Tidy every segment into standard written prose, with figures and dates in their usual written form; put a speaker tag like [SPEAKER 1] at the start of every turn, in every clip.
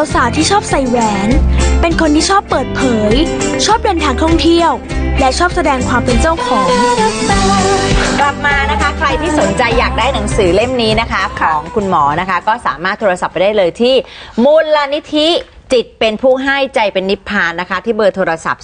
[SPEAKER 1] สาวๆที่ชอบใส่แหวน เป็นคนที่ชอบเปิดเผย ชอบเดินทางท่องเที่ยว และชอบแสดงความเป็นเจ้าของ
[SPEAKER 2] กลับมานะคะใครที่สนใจอยากได้หนังสือเล่มนี้นะคะของคุณหมอนะคะก็สามารถโทรศัพท์ไปได้เลยที่มูลนิธิจิตเป็นผู้ให้ใจเป็นนิพพานนะคะที่เบอร์โทรศัพท์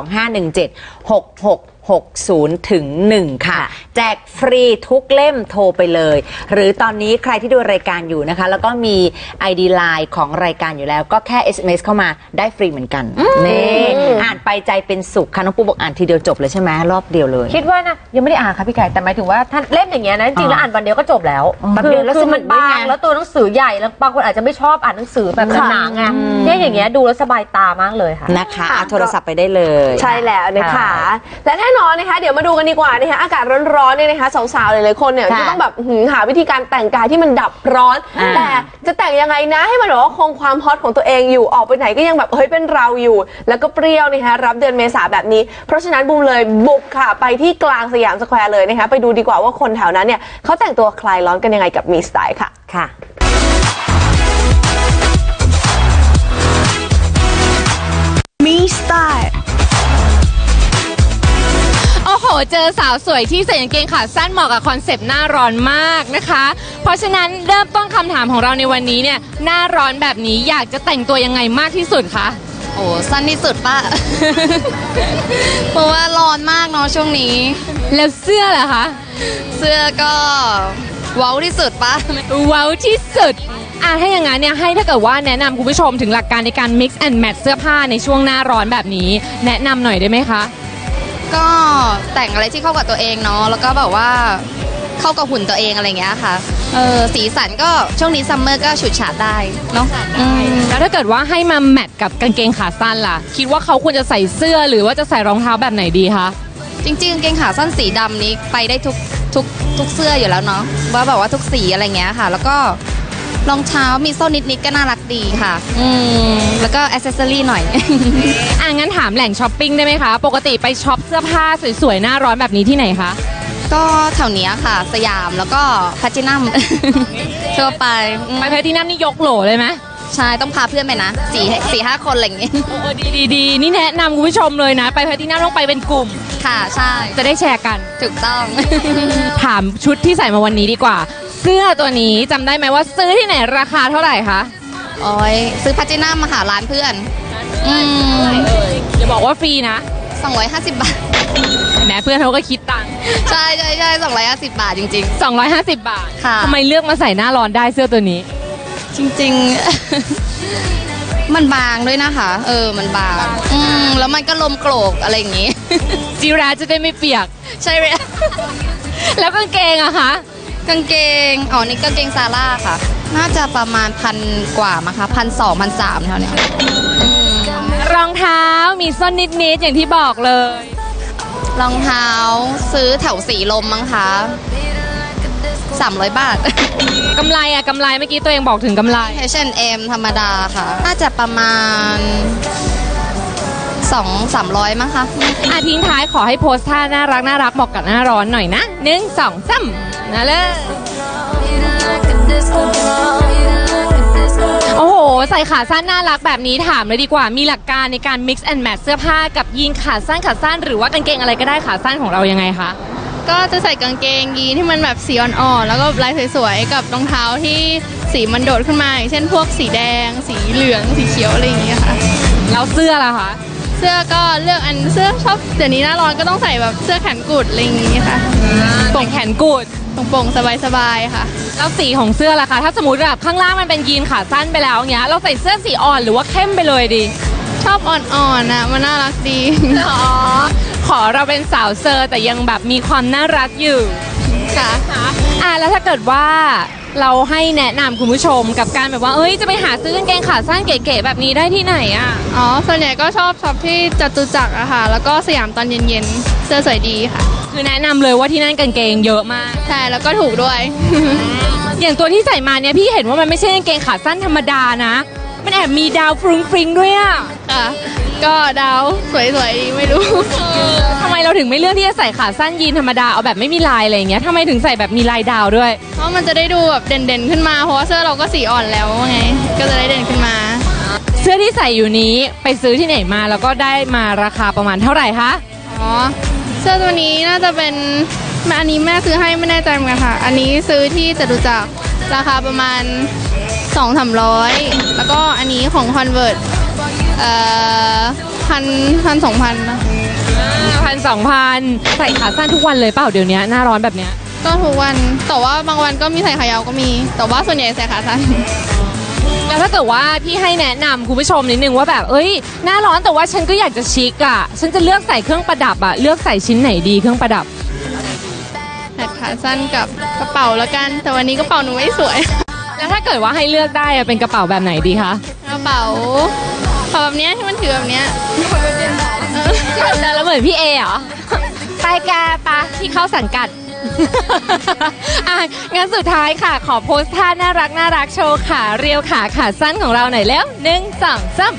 [SPEAKER 2] 025176660 ถึง 1 ค่ะแจกฟรีทุกเล่มโทรไปเลยหรือตอนนี้ใครที่ดูรายการอยู่นะคะแล้วก็มี ID Line ของรายการอยู่แล้วก็แค่ SMS เข้ามาได้ฟรีเหมือนกันนี่อ่านไปใจเป็นสุขค่ะน้องปูบอกอ่านทีเดียวจบเลยใช่ไหมรอบเดียวเลย
[SPEAKER 3] คิดว่านะยังไม่ได้อ่านค่ะพี่ไก่แต่หมายถึงว่าท่านเล่มอย่างเงี้ยนะจริงๆแล้วอ่านวันเดียวก็จบแล้วคือมันบางแล้วตัวหนังสือใหญ่แล้วบางคนอาจจะไม่ชอบอ่านหนังสือแบบหนาๆไงเนี่ยอย่างเงี้ยดูแล้วสบายตามากเลยค่ะ
[SPEAKER 2] นะคะโทรศัพท์ไปได้เลย
[SPEAKER 4] ใช่แล้วนะคะและแน่นอนนะคะเดี๋ยวมาดูกันดีกว่านะคะอากาศร้อนๆเนี่ยนะคะสาวๆหลายๆคนเนี่ยจะต้องแบบหาวิธีการแต่งกายที่มันดับร้อนแต่จะแต่งยังไงนะให้มันแบบว่าคงความฮอตของตัวเองอยู่ออกไปไหนก็ยังแบบเฮ้ยเป็นเราอยู่แล้วก็เปรี้ยวนะคะรับเดือนเมษาแบบนี้เพราะฉะนั้นบูมเลยบุกค่ะไปที่กลางสยามสแควร์เลยนะคะไปดูดีกว่าว่าคนแถวนั้นเนี่ยเขาแต่งตัวคลายร้อนกันยังไงกับมีสไตล์ค่ะ
[SPEAKER 1] มีสไตล์
[SPEAKER 5] โอ้โหเจอสาวสวยที่ใส่กางเกงขาสั้นเหมาะกับคอนเซปต์หน้าร้อนมากนะคะเพราะฉะนั้นเริ่มต้นคำถามของเราในวันนี้เนี่ยหน้าร้อนแบบนี้อยากจะแต่งตัวยังไงมากที่สุดคะ
[SPEAKER 6] โอ้สั้นที่สุดป่ะ เพราะว่าร้อนมากเนาะช่วงนี้
[SPEAKER 5] แล้วเสื้อล่ะคะ
[SPEAKER 6] เสื้อก็เว้าที่สุดป่ะ
[SPEAKER 5] เว้าที่สุดถ้าอย่างนั้นเนี่ยให้ถ้าเกิดว่าแนะนำคุณผู้ชมถึงหลักการในการ mix and match เสื้อผ้าในช่วงหน้าร้อนแบบนี้แนะนำหน่อยได้ไหมคะ
[SPEAKER 6] ก็แต่งอะไรที่เข้ากับตัวเองเนาะแล้วก็แบบว่าเข้ากับหุ่นตัวเองอะไรเงี้ยค่ะสีสันก็ช่วงนี้ซัมเมอร์ก็ฉูดฉาดได้เนาะ
[SPEAKER 5] แล้วถ้าเกิดว่าให้มาแมทกับกางเกงขาสั้นล่ะคิดว่าเขาควรจะใส่เสื้อหรือว่าจะใส่รองเท้าแบบไหนดีคะ
[SPEAKER 6] จริงๆกางเกงขาสั้นสีดำนี้ไปได้ทุกเสื้ออยู่แล้วเนาะว่าแบบว่าทุกสีอะไรเงี้ยค่ะแล้วก็รองเท้ามีโซ่นิดๆก็น่ารักดีค่ะแล้วก็แอคเซสซอรี่หน่อย
[SPEAKER 5] งั้นถามแหล่งช้อปปิ้งได้ไหมคะปกติไปช็อปเสื้อผ้าสวยๆหน้าร้อนแบบนี้ที่ไหนคะ
[SPEAKER 6] ก็แถวนี้ค่ะสยามแล้วก็แพลทินัมทั่วไป
[SPEAKER 5] แพลทินัมนี่ยกโหลเลยไหม
[SPEAKER 6] ใช่ต้องพาเพื่อนไปนะ4-5 คนอะไรอย่างเงี้ย
[SPEAKER 5] ดีนี่แนะนำคุณผู้ชมเลยนะไปแพลทินัมต้องไปเป็นกลุ่ม
[SPEAKER 6] ค่ะใช่
[SPEAKER 5] จะได้แชร์กัน
[SPEAKER 6] ถูกต้อง
[SPEAKER 5] ถามชุดที่ใส่มาวันนี้ดีกว่าเสื้อตัวนี้จำได้ไหมว่าซื้อที่ไหนราคาเท่าไหร่คะ
[SPEAKER 6] โอ้ยซื้อแพลทินัมมาหาร้านเพื่อน
[SPEAKER 5] อย่าบอกว่าฟรีนะ
[SPEAKER 6] 250 บาท
[SPEAKER 5] แม้เพื่อนเขาก็คิดตังค์
[SPEAKER 6] ใช่250 บาทจริง
[SPEAKER 5] ๆ250 บาท
[SPEAKER 6] ค่ะ
[SPEAKER 5] ทำไมเลือกมาใส่หน้าร้อนได้เสื้อตัวนี้
[SPEAKER 6] จริงๆมันบางด้วยนะคะมันบางแล้วมันก็ลมโกรกอะไรอย่างงี้
[SPEAKER 5] จิราจะได้ไม่เปียก
[SPEAKER 6] ใช่เลย
[SPEAKER 5] แล้วกางเกงอะคะ
[SPEAKER 6] กางเกงนี่กางเกงซาร่าค่ะน่าจะประมาณ1,000 กว่ามั้งคะ1,200 1,300เท่านี้
[SPEAKER 5] รองเท้ามีส้นนิดๆอย่างที่บอกเลย
[SPEAKER 6] รองเท้าซื้อแถวสีลมมั้งคะ300 บาท
[SPEAKER 5] กำไรเมื่อกี้ตัวเองบอกถึงกำไร
[SPEAKER 6] H&M ธรรมดาค่ะน่าจะประมาณ200-300มั้งคะ
[SPEAKER 5] ทิ้งท้ายขอให้โพสท่าน่ารักเหมาะกับหน้าร้อนหน่อยนะ1 2 3นะเลยโอ้โหใส่ขาสั้นน่ารักแบบนี้ถามเลยดีกว่ามีหลักการในการ mix and match เสื้อผ้ากับยีนขาสั้นหรือว่ากางเกงอะไรก็ได้ขาสั้นของเรายังไงคะ
[SPEAKER 7] ก็จะใส่กางเกงยีนที่มันแบบสีอ่อนๆแล้วก็ลายสวยๆกับรองเท้าที่สีมันโดดขึ้นมาอย่างเช่นพวกสีแดงสีเหลืองสีเขียวอะไรอย่างเงี้ยค่ะ
[SPEAKER 5] แล้วเสื้อล่ะคะ
[SPEAKER 7] เสื้อก็เลือกเสื้อชอบเดี๋ยวนี้หน้าร้อนก็ต้องใส่แบบเสื้อแขนกุดอะไรอย่างเงี้ยค่ะ
[SPEAKER 5] โป่งแขนกุด
[SPEAKER 7] โป่งๆสบายๆค่ะ
[SPEAKER 5] แล้วสีของเสื้อล่ะคะถ้าสมมติแบบข้างล่างมันเป็นยีนขาสั้นไปแล้วเงี้ยเราใส่เสื้อสีอ่อนหรือว่าเข้มไปเลยดี
[SPEAKER 7] ชอบอ่อนๆมันน่ารักดี
[SPEAKER 5] ขอเราเป็นสาวเซอร์แต่ยังแบบมีความน่ารักอยู่
[SPEAKER 7] ค่ะ
[SPEAKER 5] แล้วถ้าเกิดว่าเราให้แนะนำคุณผู้ชมกับการแบบว่าจะไปหาซื้อกางเกงขาสั้นเก๋ๆแบบนี้ได้ที่ไหน
[SPEAKER 7] ส่วนใหญ่ก็ชอบช็อปที่จตุจักรอะค่ะแล้วก็สยามตอนเย็นๆเสื้อสวยดีค่ะ
[SPEAKER 5] คือแนะนำเลยว่าที่นั่นกางเกงเยอะมาก
[SPEAKER 7] ใช่แล้วก็ถูกด้วย
[SPEAKER 5] อย่างตัวที่ใส่มาเนี่ยพี่เห็นว่ามันไม่ใช่กางเกงขาสั้นธรรมดานะมันแอบมีดาวฟรุ้งฟริ้งด้วย
[SPEAKER 7] ค่ะก็ดาวสวยๆไม่รู้
[SPEAKER 5] ทำไมเราถึงไม่เลือกที่จะใส่ขาสั้นยีนธรรมดาเอาแบบไม่มีลายอะไรอย่างเงี้ยทำไมถึงใส่แบบมีลายดาวด้วย
[SPEAKER 7] เพราะมันจะได้ดูแบบเด่นๆขึ้นมาเพราะว่าเสื้อเราก็สีอ่อนแล้วไงก็จะได้เด่นขึ้นมา
[SPEAKER 5] เสื้อที่ใส่อยู่นี้ไปซื้อที่ไหนมาแล้วก็ได้มาราคาประมาณเท่าไหร่คะ
[SPEAKER 7] อ๋อ เสื้อตัวนี้น่าจะเป็นอันนี้แม่ซื้อให้ไม่แน่ใจเหมือนกันค่ะ อันนี้ซื้อที่จตุจักรราคาประมาณ 200-300 แล้วก็อันนี้ของ Convert 1,000-2,000นะ
[SPEAKER 5] 1,000-2,000ใส่ขาสั้นทุกวันเลยเปล่าเดี๋ยวนี้หน้าร้อนแบบเนี้ย
[SPEAKER 7] ก็ทุกวัน แต่ว่าบางวันก็มีใส่ขายาวก็มี แต่ว่าส่วนใหญ่ใส่ขาสั้น
[SPEAKER 5] แล้วถ้าเกิดว่าพี่ให้แนะนำคุณผู้ชมนิดนึงว่าแบบหน้าร้อนแต่ว่าฉันก็อยากจะชิคอ่ะฉันจะเลือกใส่เครื่องประดับอ่ะเลือกใส่ชิ้นไหนดีเครื่องประดับ
[SPEAKER 7] แขนขาสั้นกับกระเป๋าแล้วกัน แต่วันนี้กระเป๋าหนูไม่สวย
[SPEAKER 5] แล้วถ้าเกิดว่าให้เลือกได้อะเป็นกระเป๋าแบบไหนดีคะ
[SPEAKER 7] กระเป๋าแบบเนี้ยที่มันถือแบบเนี้ย
[SPEAKER 5] แล้วเหมือนพี่เอเหรอไปแกปะที่เข้าสังกัด งั้นสุดท้ายค่ะขอโพสท่าน่ารักโชว์ขาเรียวขาสั้นของเราหน่อยแล้ว1 2 3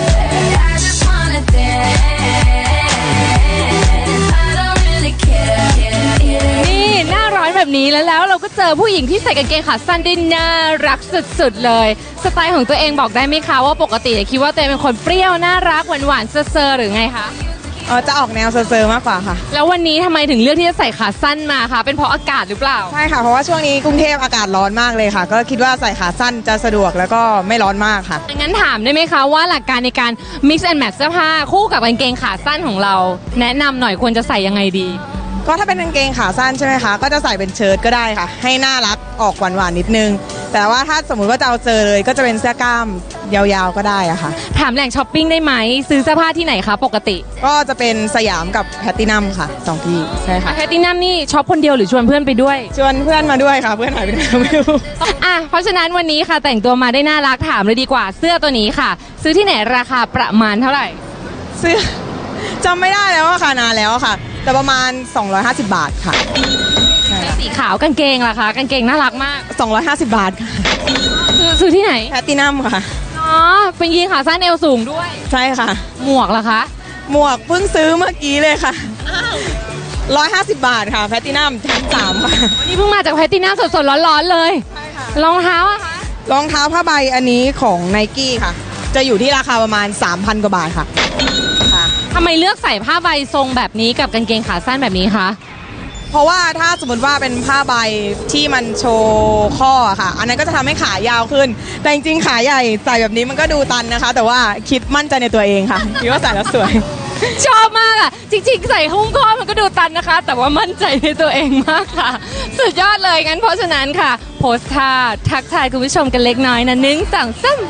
[SPEAKER 5] นี่หน้าร้อนแบบนี้แล้วเราก็เจอผู้หญิงที่ใส่กางเกงขาสั้นได้น่ารักสุดๆเลยสไตล์ของตัวเองบอกได้ไหมคะว่าปกติคิดว่าตัวเองเป็นคนเปรี้ยวน่ารักหวานๆเซอร์หรือไงคะ
[SPEAKER 8] จะออกแนวเซอร์มากกว่าค่ะ
[SPEAKER 5] แล้ววันนี้ทำไมถึงเลือกที่จะใส่ขาสั้นมาคะเป็นเพราะอากาศหรือเปล่า
[SPEAKER 8] ใช่ค่ะเพราะว่าช่วงนี้กรุงเทพอากาศร้อนมากเลยค่ะก็คิดว่าใส่ขาสั้นจะสะดวกแล้วก็ไม่ร้อนมากค่ะ
[SPEAKER 5] งั้นถามได้ไหมคะว่าหลักการในการ mix and match เสื้อผ้าคู่กับกางเกงขาสั้นของเราแนะนำหน่อยควรจะใส่ยังไงดี
[SPEAKER 8] ก็ถ้าเป็นกางเกงขาสั้นใช่ไหมคะก็จะใส่เป็นเชิ้ตก็ได้ค่ะให้น่ารักออกหวานๆนิดนึงแต่ว่าถ้าสมมุติว่าจะเอาเจอเลยก็จะเป็นเสื้อกล้ามยาวๆก็ได้อะค่ะ
[SPEAKER 5] ถามแหล่งช้อปปิ้งได้ไหมซื้อเสื้อผ้าที่ไหนคะปกติ
[SPEAKER 8] ก็จะเป็นสยามกับแพลตตินัมค่ะ2ที่ใช่ค่ะ
[SPEAKER 5] แพลตตินัมนี่ช็อปคนเดียวหรือชวนเพื่อนไปด้วย
[SPEAKER 8] ชวนเพื่อนมาด้วยค่ะเพื่อนหายไปไหนไม่รู้
[SPEAKER 5] เพราะฉะนั้นวันนี้ค่ะแต่งตัวมาได้น่ารักถามเลยดีกว่าเสื้อตัวนี้ค่ะซื้อที่ไหนราคาประมาณเท่าไหร่
[SPEAKER 8] เสื้อจำไม่ได้แล้วอะค่ะนานแล้วค่ะแต่ประมาณ250 บาทค่ะ
[SPEAKER 5] สีขาวกางเกงล่ะคะกางเกงน่ารักมาก
[SPEAKER 8] 250 บาทค่ะ
[SPEAKER 5] ซื้อที่ไหน
[SPEAKER 8] แพลตตินัมค่ะ
[SPEAKER 5] เป็นยีนขาสั้นเอวสูงด้วย
[SPEAKER 8] ใช่ค่ะ
[SPEAKER 5] หมวกล่ะคะ
[SPEAKER 8] หมวกเพิ่งซื้อเมื่อกี้เลยค่ะ150 บาทค่ะแพลตตินัมชั้น3ค่ะ
[SPEAKER 5] วันนี้เพิ่งมาจากแพลตตินัมสดๆร้อนๆเลยใช่ค่ะรองเท้าอะคะ
[SPEAKER 8] รองเท้าผ้าใบอันนี้ของ Nike ค่ะจะอยู่ที่ราคาประมาณ 3,000 กว่าบาทค่ะ
[SPEAKER 5] ทำไมเลือกใส่ผ้าใบทรงแบบนี้กับกางเกงขาสั้นแบบนี้คะ
[SPEAKER 8] เพราะว่าถ้าสมมติว่าเป็นผ้าใบที่มันโชว์ข้อค่ะอันนั้นก็จะทำให้ขายาวขึ้นแต่จริงๆขาใหญ่ใส่แบบนี้มันก็ดูตันนะคะแต่ว่าคิดมั่นใจในตัวเองค่ะคิดว่าใส่แล้วสวย
[SPEAKER 5] ชอบมากอ่ะจริงๆใส่หุ้มข้อมันก็ดูตันนะคะแต่ว่ามั่นใจในตัวเองมากค่ะสุดยอดเลยงั้นเพราะฉะนั้นค่ะโพสท่าทักทายคุณผู้ชมกันเล็กน้อยนะ1 2 3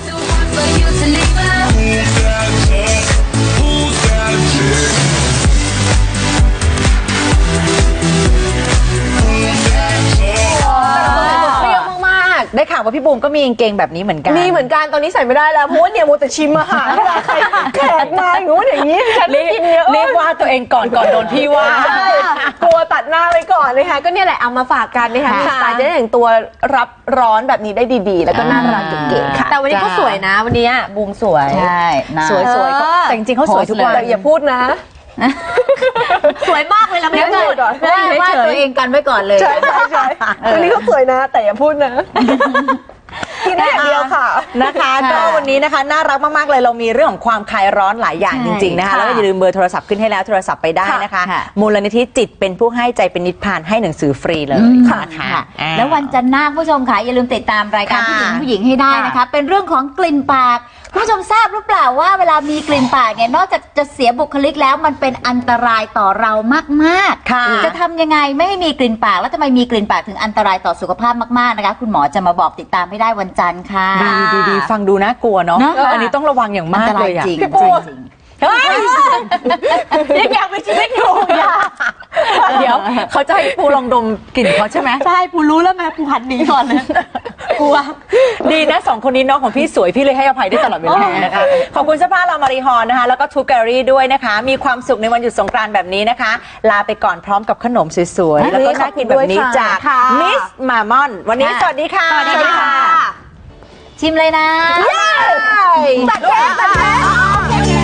[SPEAKER 2] ได้ข่าวว่าพี่บูมก็มีกางเกงแบบนี้เหมือนกัน
[SPEAKER 4] มีเหมือนกันตอนนี้ใส่ไม่ได้แล้วเพราะว่าเนี่ยมัวแต่ชิมอาหารใครแขกมาอย่างงู้นอย่างนี้ฉันไม่กินเยอะ
[SPEAKER 2] เรียกว่าตัวเองก่อนโดนพี่ว่าก
[SPEAKER 4] ลัวตัดหน้าไปก่อนนะคะก็เนี่ยแหละเอามาฝากกันนะคะสไตล์จะได้แต่งตัวรับร้อนแบบนี้ได้ดีๆแล้วก็น่ารักเก๋ๆค่ะ
[SPEAKER 3] แต่วันนี้เขาสวยนะวันนี้บูมสวย
[SPEAKER 2] ใช่สวยแต่จริงๆเขาสวยทุกวัน
[SPEAKER 4] แต่อย่าพูดนะ
[SPEAKER 3] สวยมากเลยเราไม่พูดไม่ได้ว่าตัวเองกันไว้ก่อนเลย
[SPEAKER 4] ใช่วันนี้เขาสวยนะแต่อย่าพูดนะที่นี่อย่างเดียวค่ะ
[SPEAKER 2] นะคะก็วันนี้นะคะน่ารักมากๆเลยเรามีเรื่องของความคลายร้อนหลายอย่างจริงๆนะคะแล้วก็อย่าลืมเบอร์โทรศัพท์ขึ้นให้แล้วโทรศัพท์ไปได้นะคะมูลนิธิจิตเป็นผู้ให้ใจเป็นนิพพานให้หนังสือฟรีเลย
[SPEAKER 6] ค่ะแล้ววันจันทร์หน้าผู้ชมค่ะอย่าลืมติดตามรายการผู้หญิงให้ได้นะคะเป็นเรื่องของกลิ่นปากผู้ชมทราบหรือเปล่าว่าเวลามีกลิ่นปากเนี่ยนอกจากจะเสียบุคลิกแล้วมันเป็นอันตรายต่อเรามากๆจะทำยังไงไม่ให้มีกลิ่นปากแล้วทำไมมีกลิ่นปากถึงอันตรายต่อสุขภาพมากๆนะคะคุณหมอจะมาบอกติดตามให้ได้วันจันทร์ค่ะ
[SPEAKER 2] ดีฟังดูน่ากลัวเนาะอันนี้ต้องระวังอย่างมากเลย
[SPEAKER 6] จริง
[SPEAKER 3] ยังอยากมีชีวิตอยู่
[SPEAKER 2] เดี๋ยวเขาจะให้ปูลองดมกลิ่นเขาใช่ไหม
[SPEAKER 3] ใช่ปูรู้แล้วแม่ปูหันหนีก่อนเลย
[SPEAKER 2] กลัวดีนะ2คนนี้น้องของพี่สวยพี่เลยให้อภัยได้ตลอดเวลานะคะขอบคุณเสื้อผ้าลามารีฮอนนะคะแล้วก็ทูแกลลี่ด้วยนะคะมีความสุขในวันหยุดสงกรานต์แบบนี้นะคะลาไปก่อนพร้อมกับขนมสวยๆแล้วก็น่ากินแบบนี้จากมิสมามอนวันนี้สวัสดีค่ะ
[SPEAKER 6] สวัสดีค่ะชิมเลยนะ
[SPEAKER 3] ตัดแขน